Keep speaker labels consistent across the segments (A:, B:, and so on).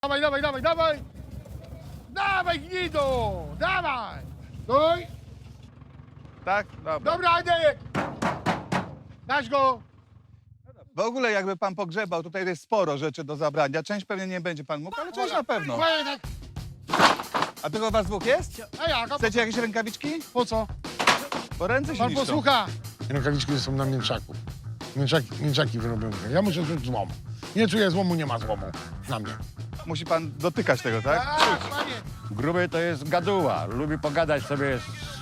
A: Dawaj, dawaj, dawaj, dawaj! Dawaj, gnido! Dawaj! Stój!
B: Tak? Dobra.
A: Dobra, idę! Dasz go!
B: W ogóle jakby pan pogrzebał, tutaj jest sporo rzeczy do zabrania. Część pewnie nie będzie pan mógł, ale część na pewno.
A: Oj, tak.
B: A tylko was dwóch jest?
A: A jak? A
B: Chcecie jakieś rękawiczki?
A: po co?
B: Bo ręce się
A: Pan
B: niszczą.
A: posłucha.
C: Rękawiczki są na mięczaku. Mięczaki wyrobione. Ja muszę czuć złom. Nie czuję złomu, nie ma złomu. Na mnie.
B: Musi pan dotykać tego, tak?
A: Tak, panie.
D: Gruby to jest gaduła. Lubi pogadać sobie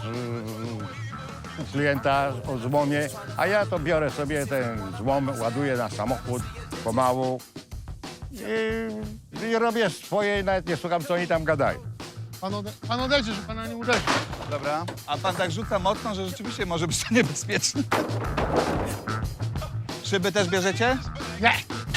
D: z klienta o złomie, a ja to biorę sobie ten złom, ładuję na samochód pomału i robię swoje i nawet nie słucham, co oni tam gadają.
A: Pan odejdzie, że pana nie uderzy.
B: Dobra. A pan tak rzuca mocno, że rzeczywiście może być to niebezpieczne. Szyby też bierzecie?
A: Nie!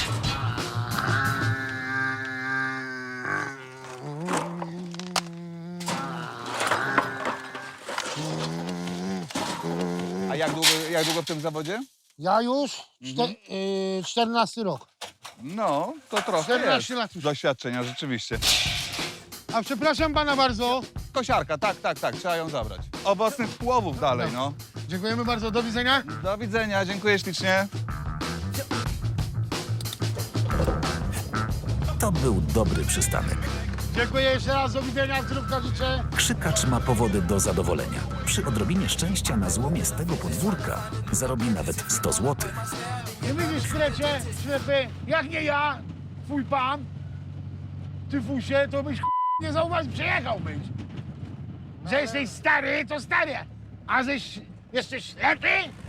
B: A jak długo w tym zawodzie?
A: Ja już 14 rok.
B: No, to trochę
A: 14
B: jest
A: lat już.
B: doświadczenia, rzeczywiście.
A: A przepraszam pana bardzo.
B: Kosiarka, tak, trzeba ją zabrać. Owocnych połowów dalej, no.
A: Dziękujemy bardzo, do widzenia.
B: Do widzenia, dziękuję ślicznie.
E: To był dobry przystanek.
A: Dziękuję jeszcze raz, do widzenia, zdrówka życzę.
E: Krzykacz ma powody do zadowolenia. Przy odrobinie szczęścia na złomie z tego podwórka zarobi nawet 100 zł.
A: Nie widzisz, krecie, ślepy, jak nie ja, twój pan, ty fusie, to byś nie zauważył, przejechałbyś. Że jesteś stary, to stary, a żeś jeszcze ślepy,